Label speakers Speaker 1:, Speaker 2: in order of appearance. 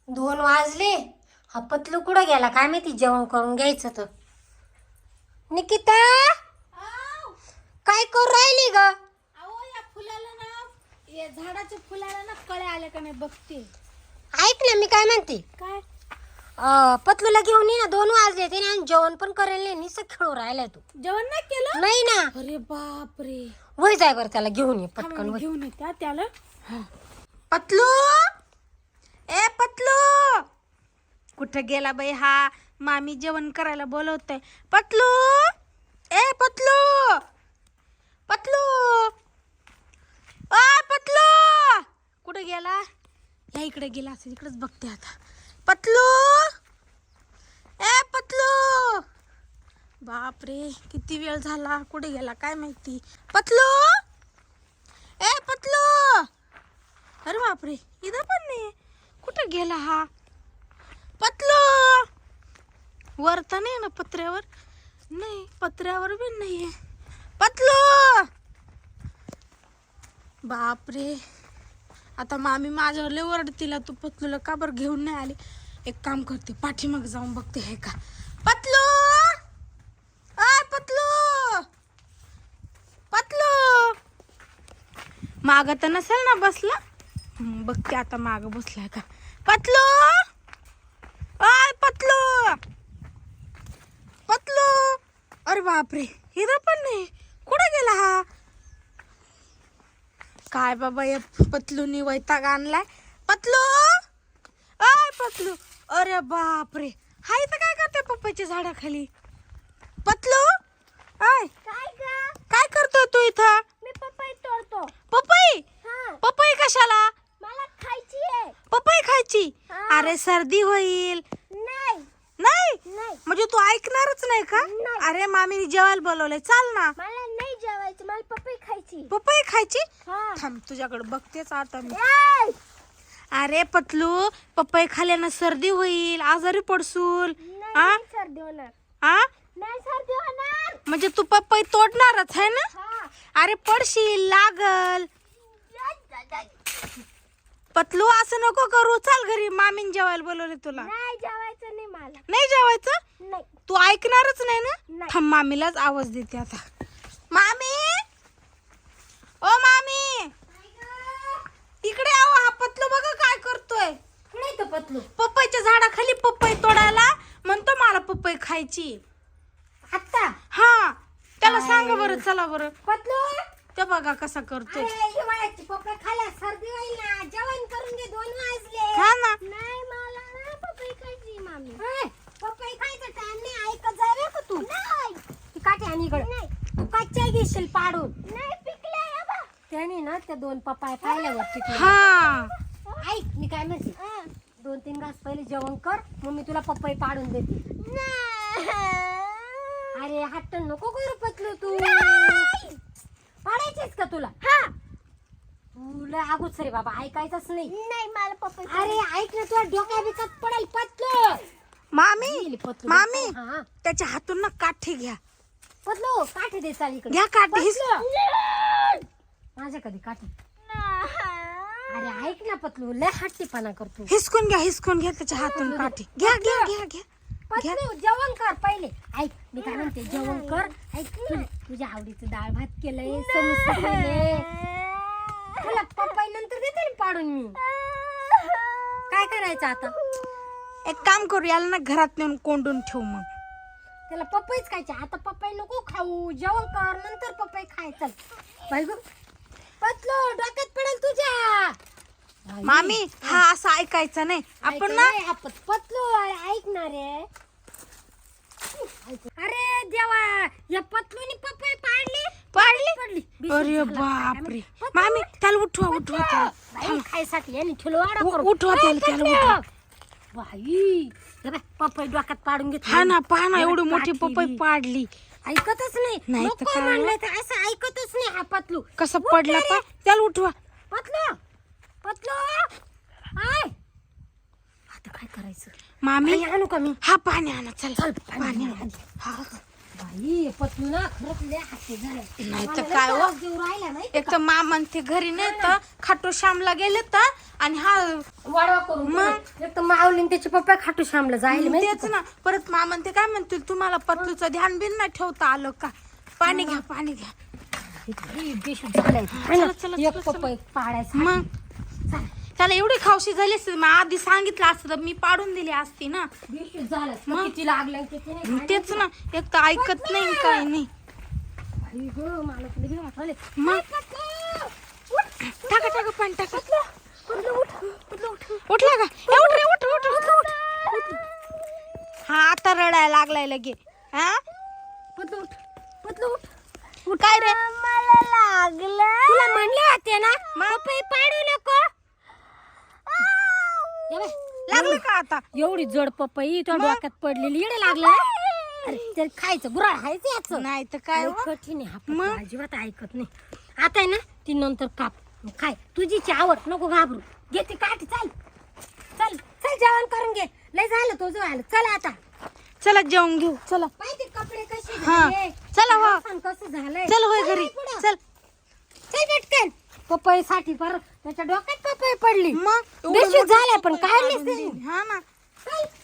Speaker 1: 2 वाजले. हा पतलू कुठं गेला काय माहिती, जेवण करून घ्यायचं तर. निकिता काय करू राहिली ग?
Speaker 2: अहो या फुलाला ना, या झाडाच्या फुलाला ना कळे आले का नाही बघते.
Speaker 1: ऐक ना, मी काय म्हणते,
Speaker 2: काय
Speaker 1: पतलूला घेऊन ये ना. 2 वाजले ते आणि जेवण पण करेल नाही, नुसतं खेळू राहिलाय तू.
Speaker 2: जेवण नाही केलं?
Speaker 1: नाही ना.
Speaker 2: अरे बापरे.
Speaker 1: वय जाय बरं, त्याला घेऊन ये पटकन. वय.
Speaker 2: घेऊन येत्या त्याला.
Speaker 3: पतलू, ए पतलू, कुठं गेला बाई हा? मामी जेवण करायला बोलवतय. पतलू, ए पतलू, पतलू, आ पतलू, कुठं गेला? या इकडे गेला असेल, इकडेच बघते आता. पतलू, ए पतलू, बापरे किती वेळ झाला, कुठे गेला काय माहिती. पतलू, ए पतलू, अरे बापरे इथं पण नाही. कुठं गेला हा? पतलू, वर तर नाही ना पत्र्यावर? नाही, पत्र्यावर बी नाहीये. पतलू, बापरे आता मामी माझ्यावर लय ओरडतील, तू पतलूला का बरं घेऊन नाही आली. एक काम करते, पाठीमाग जाऊन बघते हे का. पतलू, अय पतलू, पतलू, माग तर नसेल ना बसला. बघते आता माग बसलाय का. पतलू, अय पतलू, पतलू, अरे बापरे इथं पण नाही. कुठे गेला हा? काय बाबा या पतलूनी वैताग आणलाय. पतलू, अय पतलू, अरे बापरे हा इथं काय करते पप्पाच्या झाडाखाली? पतलू, अय काय करतोय तू इथं?
Speaker 2: मी पपई तोडतो.
Speaker 3: पपई?
Speaker 2: हा,
Speaker 3: पपई कशाला?
Speaker 2: मला खायची आहे.
Speaker 3: पपई खायची?
Speaker 2: हा.
Speaker 3: अरे सर्दी होईल.
Speaker 2: नाही
Speaker 3: नाही
Speaker 2: नाही,
Speaker 3: म्हणजे तू ऐकणारच नाही का?
Speaker 2: नाही.
Speaker 3: अरे मामीने जेवायला बोलवलंय, चाल ना.
Speaker 2: मला नाही जेवायचं, मला पपई खायची.
Speaker 3: पपई खायची?
Speaker 2: हा.
Speaker 3: थांब तुझ्याकडे बघतेच आता मी.
Speaker 2: ए!
Speaker 3: अरे पतलू, पपई खाल्यानं सर्दी होईल, आजारी पडसूल.
Speaker 2: नाही,
Speaker 3: आ?
Speaker 2: नाही सर्दी होणार.
Speaker 3: आ?
Speaker 2: नाही सर्दी होणार.
Speaker 3: म्हणजे तू पपई तोडणारच आहे ना?
Speaker 2: हा.
Speaker 3: अरे पडशील, लागल. पतलू असं नको करू, चाल घरी, मामीने जेवायला बोलवले तुला.
Speaker 2: नाही जेवायचं नाही मला.
Speaker 3: नाही जेवायचं?
Speaker 2: नाही
Speaker 3: तू ऐकणारच नाही ना?
Speaker 2: नाही.
Speaker 3: थांब मामीलाच आवाज देते आता. मामी, ओ मामी, इकडे आव. हा पतलू बघा काय करतोय.
Speaker 1: नाही तर पतलू
Speaker 3: पपईच्या झाडाखाली पपई तोडायला म्हणतो, मला पपई खायची.
Speaker 1: आत्ता.
Speaker 3: हा, त्याला सांगा बरं, चला बरं.
Speaker 1: पतलू,
Speaker 3: ते बघा कसा करतोय.
Speaker 1: अरे हिवाळ्याची पपई खाल्या सर्दी होईल ना. जेवण करून घे, 2 वाजले.
Speaker 3: हा ना.
Speaker 2: नाही मला ना पपई खायची मामी.
Speaker 1: ए, पपई खायचा टाइम नाही, ऐकत जा रे का तू.
Speaker 2: नाही
Speaker 1: ती काठी आणि इकडे.
Speaker 2: नाही
Speaker 1: तू कच्च्या घेशील पाडून.
Speaker 2: नाही पिकले बाबा.
Speaker 1: त्याने ना त्या 2 पपाया पाहिल्यावर टिकले.
Speaker 3: हा,
Speaker 1: ऐक मी काय म्हणते, 2-3 घास पहिले जेवण कर, मग मी तुला पपई पाडून देते. अरे हट्ट नको करू पतलू तू. पाडायचीच का तुला?
Speaker 2: हा.
Speaker 1: तुला अगोच रे बाबा, ऐकायचंच नाही.
Speaker 2: नाही मला पपई.
Speaker 1: अरे ऐक ना, तुला डोक्या बिकत पडेल पतलू.
Speaker 3: मामी,
Speaker 1: पतलू.
Speaker 3: मामी,
Speaker 1: हा.
Speaker 3: त्याच्या हातून ना काठी घ्या.
Speaker 1: पतलू काठी दे, चाल इकडे.
Speaker 3: घ्या काठी.
Speaker 1: माझ्या कधी काठी. अरे ऐक ना पतलू, लय हट्टीपणा करतो.
Speaker 3: हिसकून घ्या, हिसकून घ्या त्याच्या हातून काठी. घ्या घ्या घ्या घ्या.
Speaker 1: पतलू जेवण कर पहिले. ऐक मी काय म्हणते, जेवण कर. ऐक तुझ्या आवडीचं डाळ भात केलंय, समोसे केले. तुला पपई नंतर देते ना पाडून मी. काय करायचं आता?
Speaker 3: एक काम करू, याला ना घरात नेऊन कोंडून ठेवू. मग
Speaker 1: त्याला पपईच खायची. आता पपई नको खाऊ, जेवण कर, नंतर पपई खाय. चल बाई गं, पतलू डोक्यात पडेल तुझ्या.
Speaker 3: मामी, हा असं ऐकायचं नाही आपण ना.
Speaker 1: पतलू ऐक ना रे. अरे देवा, या पतलूनी पपई पाडली.
Speaker 3: पाडली?
Speaker 1: बिसून
Speaker 3: अरे
Speaker 1: झालं काय
Speaker 3: बापरे.
Speaker 1: पतलू,
Speaker 3: मामी त्याला उठवा, उठवा त्याला.
Speaker 1: बाई खायसाठी यांनी ठेलवाडा करू.
Speaker 3: उठवा त्याला, त्याला उठवा.
Speaker 1: बाई हे बाई, पपई डोक्यात पाडून घेतली.
Speaker 3: हा ना, पहा ना,
Speaker 1: हे
Speaker 3: एवढी
Speaker 1: बाई,
Speaker 3: मोठी
Speaker 1: काठी
Speaker 3: पपई
Speaker 1: बी.
Speaker 3: पाडली.
Speaker 1: ऐकतच नाही.
Speaker 3: नाही तर
Speaker 1: नको
Speaker 3: काय?
Speaker 1: म्हणलं तर असं ऐकतच नाही हा पतलू.
Speaker 3: कसं
Speaker 1: उठ
Speaker 3: पडला
Speaker 1: रे.
Speaker 3: पा, त्याला उठवा.
Speaker 1: पतलू, पतलू आय. आता काय करायचं?
Speaker 3: मामी,
Speaker 1: पाणी आणू का मी?
Speaker 3: हा पाणी आणा, चल.
Speaker 1: चल
Speaker 3: पाणी आणा. हा.
Speaker 1: बाई पतलू ना खरंच लय हट्टी झालं.
Speaker 3: नाही तर
Speaker 1: मला
Speaker 3: काय
Speaker 1: लय
Speaker 3: हो?
Speaker 1: त्रास देऊ राहिला माहिती
Speaker 3: एक तर मामा ते घरी नाही तर खाटू श्यामला गेले तर, आणि हा
Speaker 1: वाढवा करून
Speaker 3: मग?
Speaker 1: हे एक तर माऊलीन त्याचे पप्पा खाटू श्यामला जायला माहिती
Speaker 3: तेच ना. परत मामा ते काय म्हणतील, तुम्हाला पतलूचं ध्यान बिन नाही ठेवता आलं का? पाणी घ्या, पाणी घ्या.
Speaker 1: इतकी बेशुद्ध झालंय. है ना?
Speaker 3: चला,
Speaker 1: एक पप्पा एक पाडायचा.
Speaker 3: मग
Speaker 1: चला.
Speaker 3: त्याला एवढी खावशी झाली असती, मग आधी सांगितलं असतं तर मी पाडून दिली असती ना.
Speaker 1: बेशुद्ध झालं. मग किती लागलं किती नाही.
Speaker 3: तेच ना, एक तर ऐकत नाही काही नाही.
Speaker 1: आई गं, मला तुला घेऊन आले.
Speaker 3: मग टाका टाका पाणी टाका. उठला का? ए, उठ रे, उठ उठ उठ उठ. हा आता रडायला लागलाय लगे. हा
Speaker 1: पतलू उठ. पतलू उठ.
Speaker 3: काय रे?
Speaker 1: मला लागलं. तुला म्हणले होते ना पपई पाडू नको. ये बाय,
Speaker 3: लागलं का आता?
Speaker 1: एवढी जड पपई तुझ्या डोक्यात पडलेली येडे लागलं ना? अरे ते खायचं गुराळ खायचं याचं.
Speaker 3: नाही तर काय
Speaker 1: लय
Speaker 3: हो?
Speaker 1: कठीण आहे हा पप्पा, अजिबात ऐकत नाही. आता आहे ना ती नंतर काप खाय. तुझीची आवड नको घाबरू. घे ती काठी. चल चल चल जेवण करून घे. लय झालं तुझं झालं. चल आता
Speaker 3: चला जेवून घेऊ. चला
Speaker 1: माहिती कपडे कसे
Speaker 3: हा.
Speaker 1: झाले,
Speaker 3: चला हो.
Speaker 1: सांग कसं झालंय.
Speaker 3: चल होय
Speaker 1: चल
Speaker 3: घरी.
Speaker 1: पुढं.
Speaker 3: चल
Speaker 1: चल पटकन. पपई साठी परत त्याच्या डोक्यात पपई पडली.
Speaker 3: मग
Speaker 1: बेशुद्ध झालाय पण काढलीच नाही.
Speaker 3: हा ना.
Speaker 1: चल